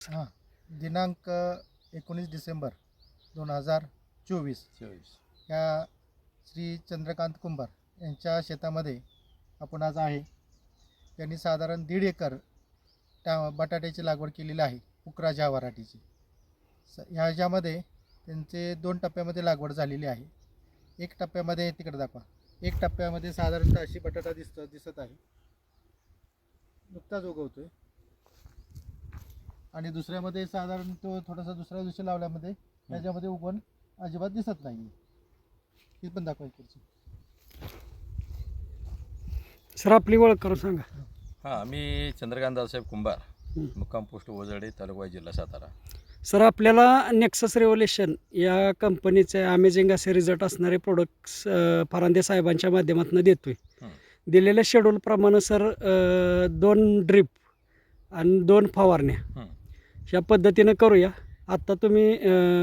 हां, दिनांक 19 डिसेंबर 2024 या श्री चंद्रकांत कुंभार यांच्या शेतामध्ये आपण आज आहे. त्यांनी साधारण 1.5 एकर बटाट्याची लागवड केलेली आहे, पुकराजा व्हरायटीची. ह्याच्यामध्ये त्यांचे 2 टप्प्यामध्ये लागवड झालेली आहे. एक टप्प्यामध्ये तिकडे दाखवा, एक टप्प्यामध्ये साधारणतः अशी बटाटा दिसत आहे, नुकताच उगवतोय. आणि दुसऱ्यामध्ये साधारण तो थोडासा दुसऱ्या दिवशी लावल्यामध्ये त्याच्यामध्ये उगवण अजिबात दिसत नाही. हे पण दाखवायची. सर आपली ओळख करून सांगा. हां, मी चंद्रकांत दादासाहेब कुंभार, मुक्काम पोस्ट वजरडे, तालुका जिल्हा सातारा. सर आपल्याला नेक्सस रेव्होल्युशन या कंपनीचे अमेझिंग असे रिझल्ट असणारे प्रोडक्ट्स फरांदे साहेबांच्या माध्यमातून देतोय. दिलेल्या शेड्यूलप्रमाणे सर 2 ड्रीप आणि 2 फवारण्या ह्या पद्धतीनं करूया. आत्ता तुम्ही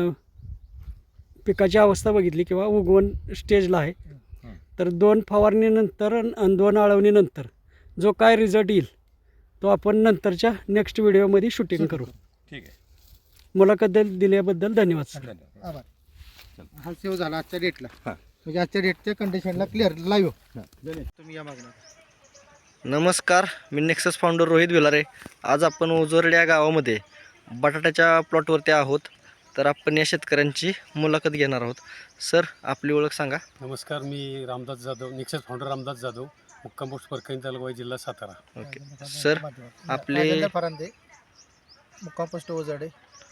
पिकाची अवस्था बघितली किंवा उगवण स्टेजला आहे, तर 2 फवारणीनंतर आणि 2 आळवणीनंतर जो काय रिझल्ट येईल तो आपण नंतरच्या नेक्स्ट व्हिडिओमध्ये शूटिंग करू. ठीक आहे. मुलाखत दिल्याबद्दल धन्यवाद सर. आभार. हा सेव्ह झाला आजच्या डेटला, म्हणजे आजच्या डेटच्या कंडिशनला क्लिअर लाईव्ह. तुम्ही या मागणार. नमस्कार, मी नेक्सस फाउंडर रोहित भिलारे. आज आपण ओझरडे या गावामध्ये बटाट्याच्या प्लॉटवरती आहोत. तर आपण या शेतकऱ्यांची मुलाखत घेणार आहोत. सर आपली ओळख सांगा. नमस्कार, मी रामदास जाधव, नेक्सस फाउंडर रामदास जाधव, मुक्काम पोस्ट परकणी तालुका जिल्हा सातारा. ओके सर, आपले राजेंद्र फरांदे, मुक्काम पोस्ट वजरडे,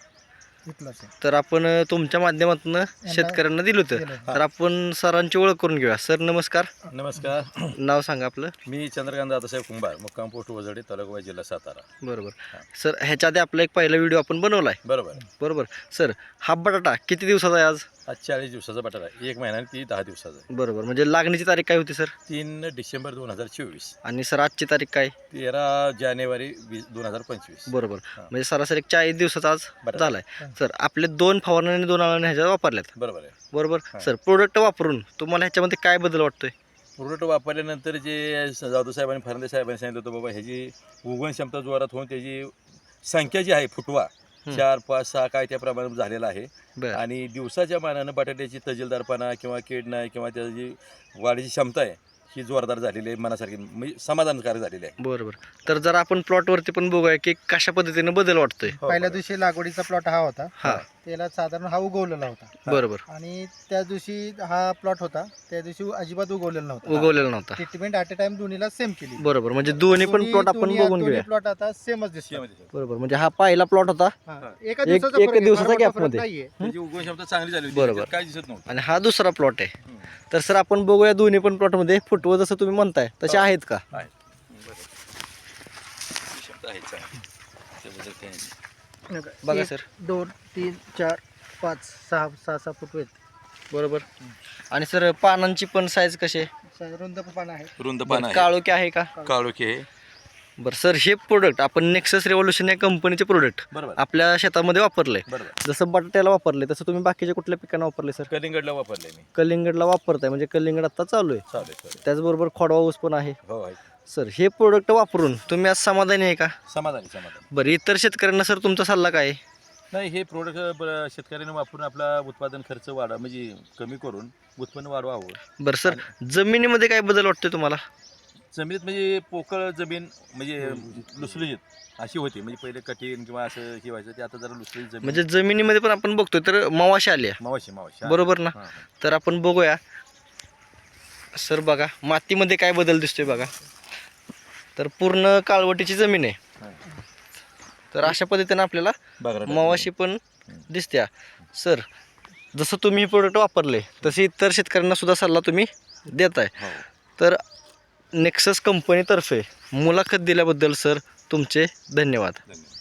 इथला सर. तर आपण तुमच्या माध्यमातून शेतकऱ्यांना दिलं होतं, तर आपण सरांची ओळख करून घेऊया. सर नमस्कार. नमस्कार, नाव सांगा आपलं. मी चंद्रकांत दादासाहेब कुंभार, मुक्काम पोस्ट वजरडे, तालुका जिल्हा सातारा. बरोबर सर, ह्याच्या आधी आपला एक पहिला व्हिडिओ आपण बनवला आहे. बरोबर सर, हा बटाटा किती दिवसाचा आहे आज? आज 40 दिवसाचा बटाटा आहे, 1 महिना आणि 10 दिवसाचा आहे. बरोबर, म्हणजे लागणीची तारीख काय होती सर? 3 डिसेंबर 2024. आणि सर आजची तारीख काय? 13 जानेवारी 2025. बरोबर, म्हणजे सरासरी 40 दिवसाचा आज बटाटा. झालाय. सर आपले 2 फवारणी आणि 2 आळवणी ह्याच्यात वापरल्यात. बरोबर आहे. बरोबर सर, प्रोडक्ट वापरून तुम्हाला ह्याच्यामध्ये काय बदल वाटतोय? प्रोडक्ट वापरल्यानंतर जे जाधव साहेबांनी फरांदे साहेबांनी सांगितलं होतं, बाबा ह्याची उगवण क्षमता जोरात होऊन त्याची संख्या जी आहे फुटवा 4, 5, 6 काय त्या प्रमाणात झालेला आहे. आणि दिवसाच्या मानानं बटाट्याची तजेलदारपणा किंवा कीड नाही किंवा त्याची जी वाढीची क्षमता आहे ही जोरदार झालेली आहे, मनासारखी म्हणजे समाधानकारक झालेली आहे. बरोबर, तर जर आपण प्लॉटवरती पण बघूया की कशा पद्धतीने बदल वाटतोय. पहिल्या दिवशी लागवडीचा प्लॉट हा होता. हा त्याला साधारण हा उगवलेला होता. बरोबर, आणि त्या दिवशी हा प्लॉट होता, त्या दिवशी अजिबात उगवलेला नव्हता. उगवलेला नव्हता. ट्रीटमेंट ॲट अ टाइम दोन्हीला सेम केली. बरोबर, म्हणजे दोन्ही पण प्लॉट आपण बघून घेऊया. प्लॉट आता सेमच दिसतो. बरोबर, म्हणजे हा पहिला प्लॉट होता, एका एक दिवसाचा फरक आहे, दिवसाचा फार gap मोठा फरक मध्ये. नाहीये. त्याची उगवण क्षमता चांगली झाली होती, बरोबर. त्याच्यात काय दिसत नव्हतं. आणि हा दुसरा प्लॉट आहे. तर सर आपण बघूया दोन्ही पण प्लॉटमध्ये फुटवं जसं तुम्ही म्हणताय तसे आहेत का? आहे. क्षमता आहे चांगली. त्याबद्दल काही नाही. बघा 1, सर. 2, 3, 4, 5, 6 फूट आहेत. बरोबर, आणि सर पानांची पण साईज कशी आहे? रुंद पान आहे. रुंद पान आहे, काळोखी आहे का? काळोखी आहे. बरं सर, हे प्रोडक्ट आपण नेक्सस रेव्होल्युशन या कंपनीचे प्रोडक्ट बरोबर आपल्या शेतामध्ये वापरले. बरोबर. जसं बटाट्याला वापरले तसं तुम्ही बाकीच्या कुठल्या पिकांना वापरले सर? कलिंगडला वापरले मी. कलिंगडला वापरताय, म्हणजे कलिंगड आता चालू आहे. चालेल. त्याचबरोबर खोडवा ऊस पण आहे. हो आहे. सर हे प्रोडक्ट वापरून तुम्ही आज समाधानी आहे का? समाधान. बरं, इतर शेतकऱ्यांना सर तुमचा सल्ला काय आहे? नाही, हे प्रोडक्ट शेतकऱ्यांनी वापरून आपला उत्पादन खर्च म्हणजे कमी करून उत्पन्न वाढवावं. बरं सर, जमिनीमध्ये काय बदल वाटतोय तुम्हाला? जमिनीत म्हणजे पोकळ जमीन म्हणजे लुसलुशीत अशी होती, म्हणजे पहिले कठीण किंवा असं हे व्हायचं, ते आता जरा लुसलुशीत जमीन. म्हणजे जमिनीमध्ये पण आपण बघतोय तर मवाशी आली आहे. मावाशी. बरोबर ना? हां. तर आपण बघूया सर. बघा मातीमध्ये काय बदल दिसतोय बघा. तर पूर्ण काळवटीची जमीन आहे. तर अशा पद्धतीने आपल्याला मवाशी पण दिसत्या. सर जसं तुम्ही हे प्रोडक्ट वापरले तसे इतर शेतकऱ्यांना सुद्धा सल्ला तुम्ही देताय. तर नेक्सस कंपनीतर्फे मुलाखत दिल्याबद्दल सर तुमचे धन्यवाद.